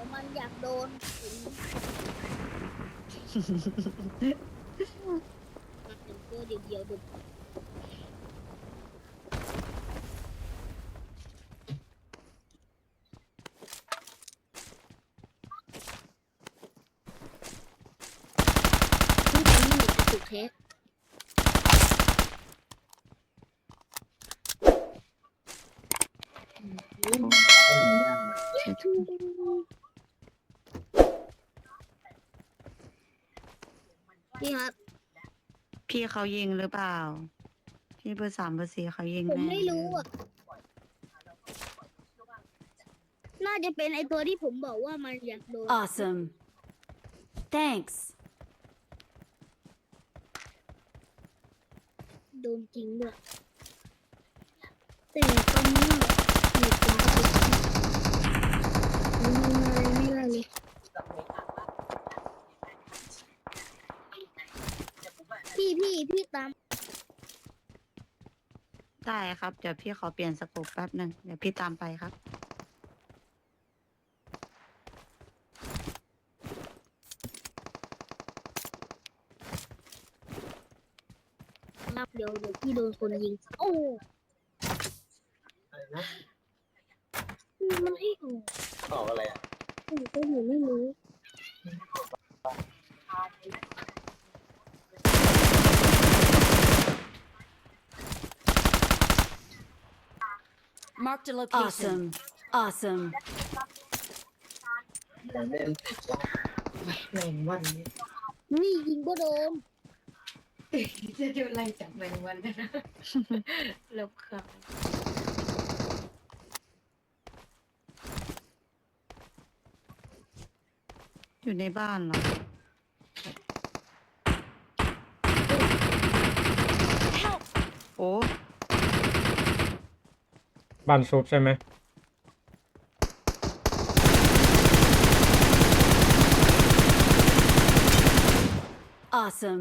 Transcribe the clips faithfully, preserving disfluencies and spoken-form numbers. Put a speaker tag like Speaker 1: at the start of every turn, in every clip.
Speaker 1: ยวมันอยากโดนมันเป็นตัวเดียวๆดูนี่เป็นนี่จะถูกเทสพี่ครับ
Speaker 2: พี่เขายิงหรือเปล่า พี่เบอร์สามเบอร์สี่เขายิง
Speaker 1: ผม
Speaker 2: แน่
Speaker 1: ไม่รู้อ่ะ น่าจะเป็นไอตัวที่ผมบอกว่ามันอยากโดน
Speaker 3: Awesome. Thanks.
Speaker 1: โดนจริงด้วยแต่ตอนนี้หนูเป็นกระตุกมันทำอะไรไม่ได้เลยพี่พี่พี่ตาม
Speaker 2: ได้ครับ เดี๋ยวพี่ขอเปลี่ยนสโคปแป๊บหนึ่งเดี๋ยวพี่ตามไปครับ
Speaker 1: รับเดี๋ยวเดี๋ยวพี่โดนคนยิง โอ้
Speaker 4: อะไรนะ
Speaker 1: มันให้ออก
Speaker 4: ออกอะไรอ่ะ
Speaker 1: ผมก็อยู่ไม่รู้
Speaker 3: Marked a location. Awesome. Awesome.
Speaker 4: ผมเล่นติดว่าแมงวันนี้
Speaker 1: นี่ยิงก็โดน
Speaker 5: จะดูไล่จับแมงวันนะลบเครื่อง
Speaker 2: อยู่ในบ้านเหรอ โอ้
Speaker 6: บ้านซุปใช่ไหม
Speaker 3: Awesome.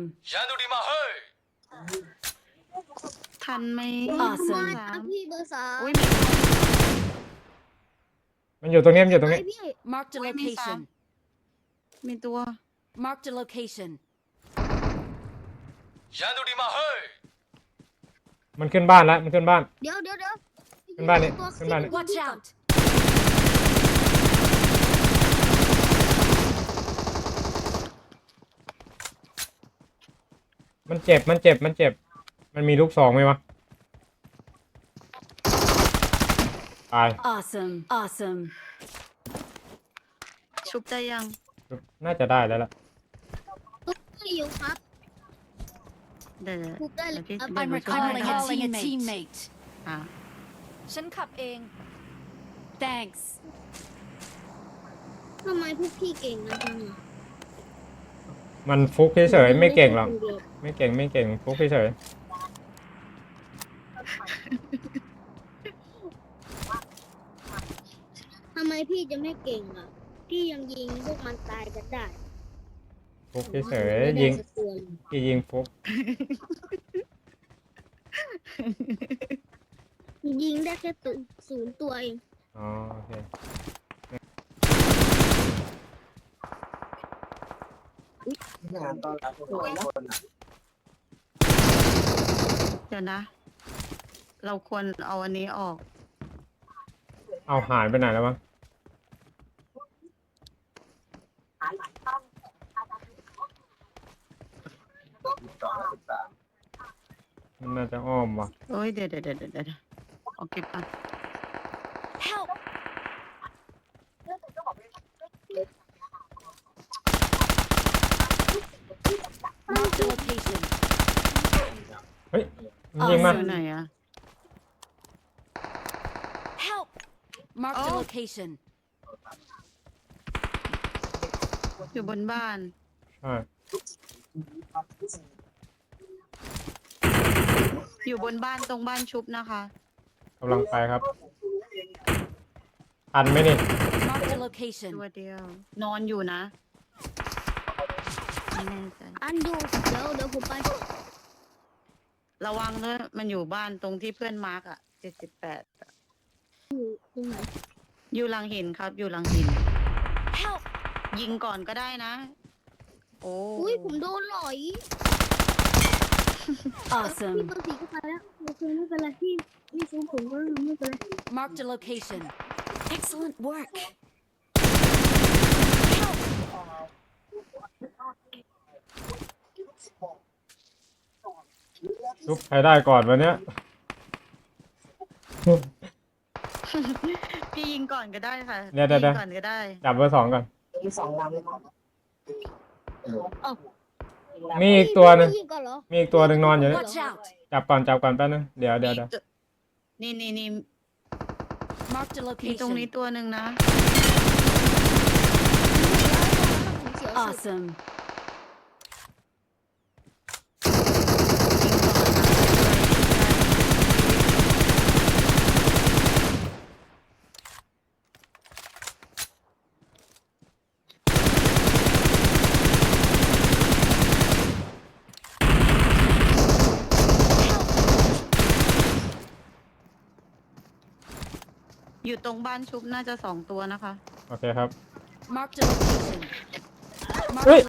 Speaker 2: ทันไหม
Speaker 3: Awesome
Speaker 2: สาม
Speaker 1: พี่เบอร์สาม
Speaker 2: อุ้ยมี
Speaker 6: มันอยู่ตรงนี้มันอยู่ตรงนี้
Speaker 1: ไพี่
Speaker 3: Marked a
Speaker 2: Wait, Miss
Speaker 3: location.
Speaker 2: มีตัว
Speaker 3: Marked a location.
Speaker 6: มันขึ้นบ้านแล้วมันขึ้นบ้าน
Speaker 1: เดี๋ยวเดี๋ยวเดี๋ยว
Speaker 6: ขึ้นบ้านนี่
Speaker 1: ตัว
Speaker 6: ขึ้นบ้านนี่
Speaker 3: Watch out.
Speaker 6: มันเจ็บมันเจ็บมันเจ็บ มันมีลูกสองไหมวะตาย
Speaker 3: Awesome. Awesome.
Speaker 2: ชุบได้ยัง
Speaker 6: น่าจะได้แล้วล่ะ
Speaker 1: ตุ๊กไม่อยู่ครับ
Speaker 2: เดี๋ยว
Speaker 1: ทุบได้เล
Speaker 2: เดี๋ย
Speaker 1: ยว
Speaker 2: พี่
Speaker 1: ครับ
Speaker 2: เดี๋ยว
Speaker 3: I'm
Speaker 2: หนูช่วยให้
Speaker 3: recalling
Speaker 2: ค
Speaker 3: a
Speaker 2: รับ
Speaker 3: teammate. teammate.
Speaker 2: อ่ะ
Speaker 3: ฉันขับเอง Thanks.
Speaker 1: ทำไมพวกพี่เก่งนะจังอะ
Speaker 6: มันฟุกเฉยๆไม่เก่งหรอกไม่เก่งไม่เก่งฟุกเฉย
Speaker 1: ทำไมพี่จะไม่เก่งอ่ะ พี่ยังยิงพวกมันตายกันได้
Speaker 6: ๆฟุกเฉย
Speaker 1: ไม่
Speaker 6: ๆ
Speaker 1: ได้
Speaker 6: ยิง
Speaker 1: สักตัวเลย
Speaker 6: พี่ยิงฟุก
Speaker 1: ยิงได้แค่ตัวศูนย์ตัวเอง
Speaker 6: อ๋อโอเค
Speaker 4: งานตอนรับทุกคนอ่ะ
Speaker 2: เดี๋ยวนะ เราควรเอาอันนี้ออก
Speaker 6: เอาหายไปไหนแล้ววะมันน่าจะอ้อมว่ะ
Speaker 2: เอ้ย เดี๋ยวเดี๋ยวเดี๋ยวเดี๋ยวเดี๋ยวเอาเก็บก่อน
Speaker 3: Help. Marked a location.
Speaker 6: เฮ้ยมันยิงมา
Speaker 2: อยู่ไหนอะ
Speaker 3: Help. Marked a
Speaker 2: Oh.
Speaker 3: location.
Speaker 2: อยู่บนบ้าน
Speaker 6: ใช่
Speaker 2: อยู่บนบ้านตรงบ้านชุบนะคะ
Speaker 6: กำลังไปครับทันไหมนี่
Speaker 3: Marked a location.
Speaker 2: ตัวเดียว นอนอยู่นะไม่แน่ใจ
Speaker 1: อันดูเดี๋ยวเดี๋ยวผมไป
Speaker 2: ระวังด้วยมันอยู่บ้านตรงที่เพื่อนมาร์กอะเจ็ดสิบแปด
Speaker 1: ตรงไหน
Speaker 2: อยู่หลังหินครับ อยู่หลังหินยิงก่อนก็ได้นะ โอ้
Speaker 1: อุ้ยผมโดนหลอย
Speaker 3: Awesome.
Speaker 1: พี่เบอร์สี่ก็ไปแล้วโอเคไม่เป็นไรพี่ไม่ชูผมก็ไม่เป็นไร
Speaker 3: Marked a location. Excellent work.
Speaker 6: ชุบใครได้ก่อนวันเนี้ย
Speaker 2: พี่ยิงก่อนก็ได้ค่ะ
Speaker 6: เดี๋ยวเดี๋ยว
Speaker 2: ยิงก่อนก็ได้
Speaker 6: จับเบอร์สองก่อน
Speaker 4: มีสองลำเลย
Speaker 6: มีอีกตัวหนึ่ง
Speaker 1: พี่ยิงก่อนเหรอ
Speaker 6: มีอีกตัวหนึ่งนอนอยู่เนี่ย
Speaker 3: Watch out.
Speaker 6: จับก่อนจับก่อนแป๊บนึงเดี๋ยวเดี๋ยวเดี๋ยว
Speaker 2: นี่นี่นี่
Speaker 3: Marked a
Speaker 2: มีตรงนี้
Speaker 3: location.
Speaker 2: ตัวหนึ่งนะ
Speaker 1: ผมเสียวสุด
Speaker 3: Awesome.
Speaker 2: อยู่ตรงบ้านชุบน่าจะสองตัวนะคะ
Speaker 6: โอเคครับ
Speaker 3: Marked a location.
Speaker 6: เฮ้ย
Speaker 3: Marked